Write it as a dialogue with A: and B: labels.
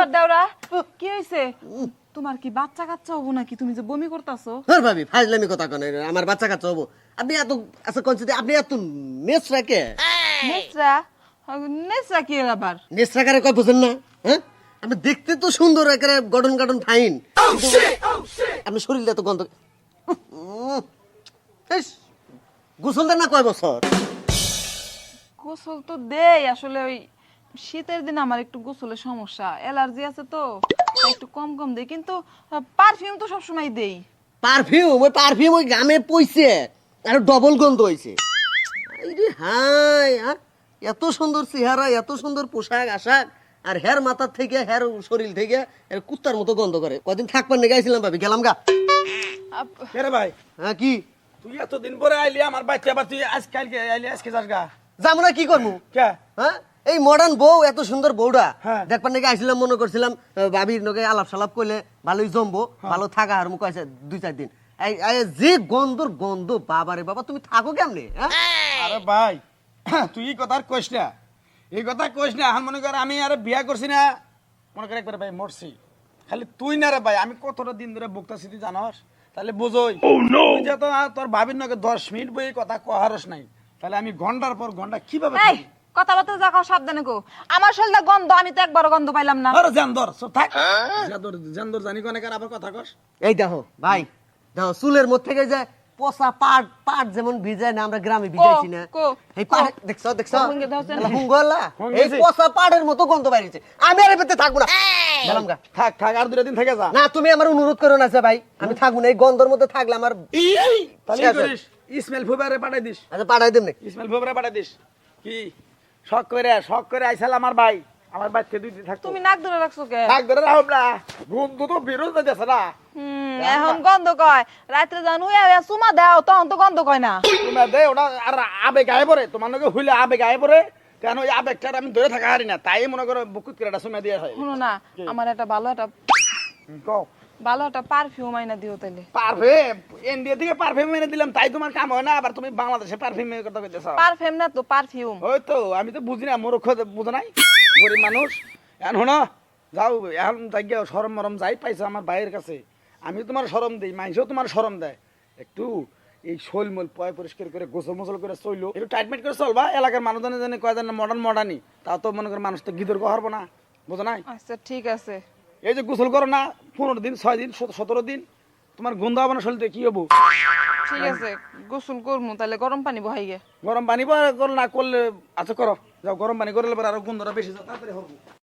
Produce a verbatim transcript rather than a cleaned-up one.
A: ব্যাপার দেওরা কি হইছে তোমার কি বাচ্চা কাচ্চা হবো নাকি তুমি যে বমি করতাছো
B: হ্যাঁ ভাবি ফাজলামি কথা কোন আমার বাচ্চা কাচ্চা হবো আপনি এত আচ্ছা কোনছি আপনি এত নেসরা কে
A: নেসরা নেসরা কি এর আবার
B: নেসরা কারে কয় বুঝেন না হ্যাঁ আপনি দেখতে তো সুন্দর একেবারে গঠন গঠন ফাইন আপনি শরীরটা তো গন্ধ উম, ইস, গোসল দেন না কয় বছর
A: গোসল তো দেই আসলে ওই শীতের দিন আমার একটু গোসলের সমস্যা অ্যালার্জি আছে তো তাই একটু কম কম দেই কিন্তু পারফিউম তো সবসময় দেই
B: পারফিউম ওই পারফিউম ওই গামে পইছে আর ডবল গন্ধ হইছে আরে হাই আর এত সুন্দর চেহারা এত সুন্দর পোশাক আশাক আর হের মাথার থেকে হের শরীর থেকে এর কুত্তার মতো গন্ধ করে কদিন থাকবার নিয়ে গেছিলাম ভাবি গেলাম গা
A: আপ-
C: কে রে ভাই
B: হ্যাঁ কি
C: তুই এতদিন পরে আইলি আমার বাচ্চা আবার তুই আজ কালকে আইলি আজকে যাস গা
B: যাবো না কি করবো
C: কে
B: হ্যাঁ এই মডার্ন বউ এত সুন্দর বউটা
C: হ্যাঁ।
B: দেখবার নাকি আইছিলাম মনে করছিলাম আহ, ভাবির নগে আলাপ সালাপ করলে ভালোই জমবো ভালো থাকা আর মুখ আছে দুই চার দিন এই এই যে গন্ধর গন্ধ বাবারে বাবা তুমি থাকো কেমনে হ্যাঁ
C: আরে ভাই তুই এই কথা আর কইস না এই কথা কইস না এখন মনে কর আমি আর বিয়া করছি না মনে কর একবার ভাই মরছি খালি তুই না রে ভাই আমি কতটা দিন ধরে বকতাছি তুই জানস তাহলে বুঝোই তুই যে তো আর তোর ভাবির নগে দশ মিনিট বই কথা কহারস নাই তাহলে আমি ঘন্টার পর ঘন্টা কিভাবে
A: এই কথাবার্তা যা খাও সাবধানে কো আমার শরীরটা গন্ধ আমি তো একবারও গন্ধ পাইলাম না
C: আরে জানদর সব থাক জানদর জানদর জানি কোনে কার আবার কথা কস
B: এই দেখো ভাই দেখো চুলের মধ্যে থেকে যে পচা পাট পাট যেমন ভিজায় না আমরা গ্রামে ভিজাইছি না
A: কো,
B: এই পাট দেখছো দেখছো
A: কো, হুঙ্গে দাও চেন।
B: এলা হুঙ্গলা
C: হুঙ্গে
B: এই
C: আছে।
B: পচা পাটের মতো গন্ধ বাইরেছে আমি আর পেতে থাকবো না গেলাম গা
C: থাক থাক আর দুটা দিন থেকে যা
B: না তুমি আমার অনুরোধ করো না যে ভাই আমি থাকবো না এই গন্ধর মধ্যে থাকলে আমার
C: তাহলে
B: শেষ
C: কি করিস ইসমাইল ফুবারে পাঠাই দিস
B: আচ্ছা পাঠাই দেব নাকি
C: ইসমাইল ফুবারে পাঠাই দিস কি শখ করে শখ করে আইসাল আমার ভাই আমার বাচ্চা দুই দিন থাকতো
A: তুমি নাক ধরে রাখছো কে
C: থাক ধরে রাখব না গন্ধ তো বিরোধ যাচ্ছে না
A: হুম এখন গন্ধ কয় রাত্রে জানু সুমা দাও তখন তো গন্ধ কয় না
C: তুমি দে ওটা আর আবেগ আয় পরে তোমার নাকি হইলে আবেগ আয় পরে কেন ওই আবেগটা আমি ধরে থাকা হারি না তাই মনে করো বুকুত করে একটা সময় দিয়ে হয়
A: শুনো না আমার একটা ভালো একটা
C: কও
A: ভালো একটা পারফিউম আইনা দিও তাইলে
C: পারফিউম ইন্ডিয়া থেকে পারফিউম এনে দিলাম তাই তোমার কাম হয় না আবার তুমি বাংলাদেশে পারফিউম কথা কইতেছ
A: পারফিউম না তো পারফিউম
C: ওই তো আমি তো বুঝি না মূর্খ বুঝো নাই গরিব মানুষ এখন শোনো যাও এখন যাই গিয়ে সরম মরম যাই পাইছো আমার ভাইয়ের কাছে আমি তোমার সরম দিই মানুষও তোমার সরম দেয় একটু এই শৈল মল পয় পরিষ্কার করে গোসল মোসল করে চইলো একটু টাইটমেট করে চলবা এলাকার মানুষজনে জানে কয় জানে মডার্ন মডার্নই তা তো মনে করে মানুষ তো গিদর কহারবো না বুঝো নাই
A: আচ্ছা ঠিক আছে
C: এই যে গোসল করো না পনেরো দিন ছয় দিন সত- সতেরো দিন তোমার গন্ধ হবে না শরীরে কি হবো
A: ঠিক আছে গোসল করমু তাহলে গরম পানি বহাই গে
C: গরম পানি বা করলে না করলে আচ্ছা করো যাও গরম পানি করলে পরে আরো গন্ধটা বেশি যাও তাড়াতাড়ি হবো